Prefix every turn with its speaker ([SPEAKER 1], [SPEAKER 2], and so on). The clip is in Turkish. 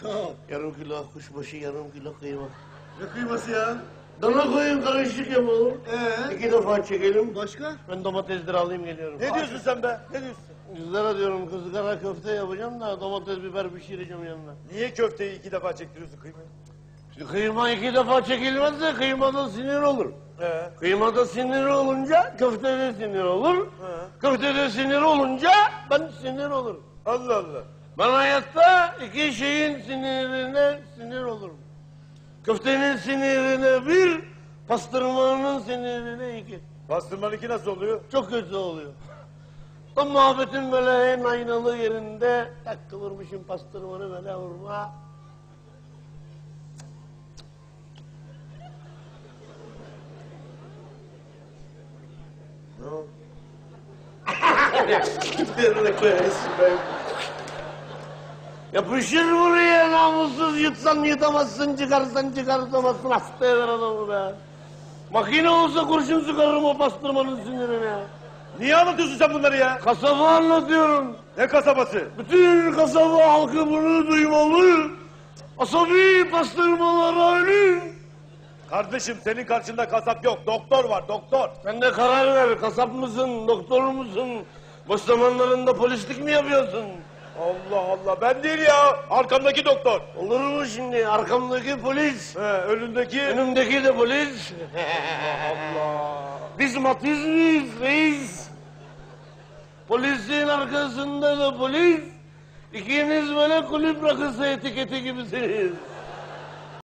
[SPEAKER 1] Sağ ol.
[SPEAKER 2] Yarım kilo kuşbaşı, yarım kilo kıyma.
[SPEAKER 1] Ne kıyması ya?
[SPEAKER 2] Dana koyun karışık yapalım. 2 defa çekelim.
[SPEAKER 1] Başka?
[SPEAKER 2] Ben domatesleri alayım geliyorum.
[SPEAKER 3] Ne diyorsun sen be? Ne diyorsun?
[SPEAKER 2] Kızlara diyorum kızgara köfte yapacağım da domates biber pişireceğim yanına.
[SPEAKER 3] Niye köfteyi 2 defa çektiriyorsun kıymayı?
[SPEAKER 2] Şimdi kıyma 2 defa çekilmezse kıymada sinir olur. Kıymada sinir olunca köftede sinir olur. Köftede sinir olunca ben sinir olurum.
[SPEAKER 3] Allah Allah.
[SPEAKER 2] Ben hayatta 2 şeyin sinirine sinir olurum. Köftenin sinirine 1, pastırmanın sinirine 2.
[SPEAKER 3] Pastırmanınki nasıl oluyor?
[SPEAKER 2] Çok kötü oluyor. Tam muhabbetin böyle en aynalı yerinde tak kıvırmışım pastırmanı böyle vurma.
[SPEAKER 3] Ne oldu?
[SPEAKER 2] Yapışır buraya namussuz, yutsan yutamazsın, çıkarsan çıkartamazsın, hasta eder adamı be. Makine olsa kurşun sıkarım o pastırmanın sinirine.
[SPEAKER 3] Niye anlatıyorsun sen bunları ya?
[SPEAKER 2] Kasabı anlatıyorum.
[SPEAKER 3] Ne kasabası?
[SPEAKER 2] Bütün kasaba halkı bunu duymalı. Asabi pastırmalar ölüm.
[SPEAKER 3] Kardeşim senin karşında kasap yok. Doktor var doktor.
[SPEAKER 2] Sen de karar ver, kasap mısın, doktor musun? Boş zamanlarında polislik mi yapıyorsun?
[SPEAKER 3] Allah Allah ben değil ya. Arkamdaki doktor.
[SPEAKER 2] Olur mu şimdi? Arkamdaki polis,
[SPEAKER 3] Önündeki.
[SPEAKER 2] önümdeki de polis.
[SPEAKER 3] Allah.
[SPEAKER 2] Biz Matiz miyiz reis? Polisin arkasında da polis. İkiniz böyle kulüp rakısı etiketi gibisiniz.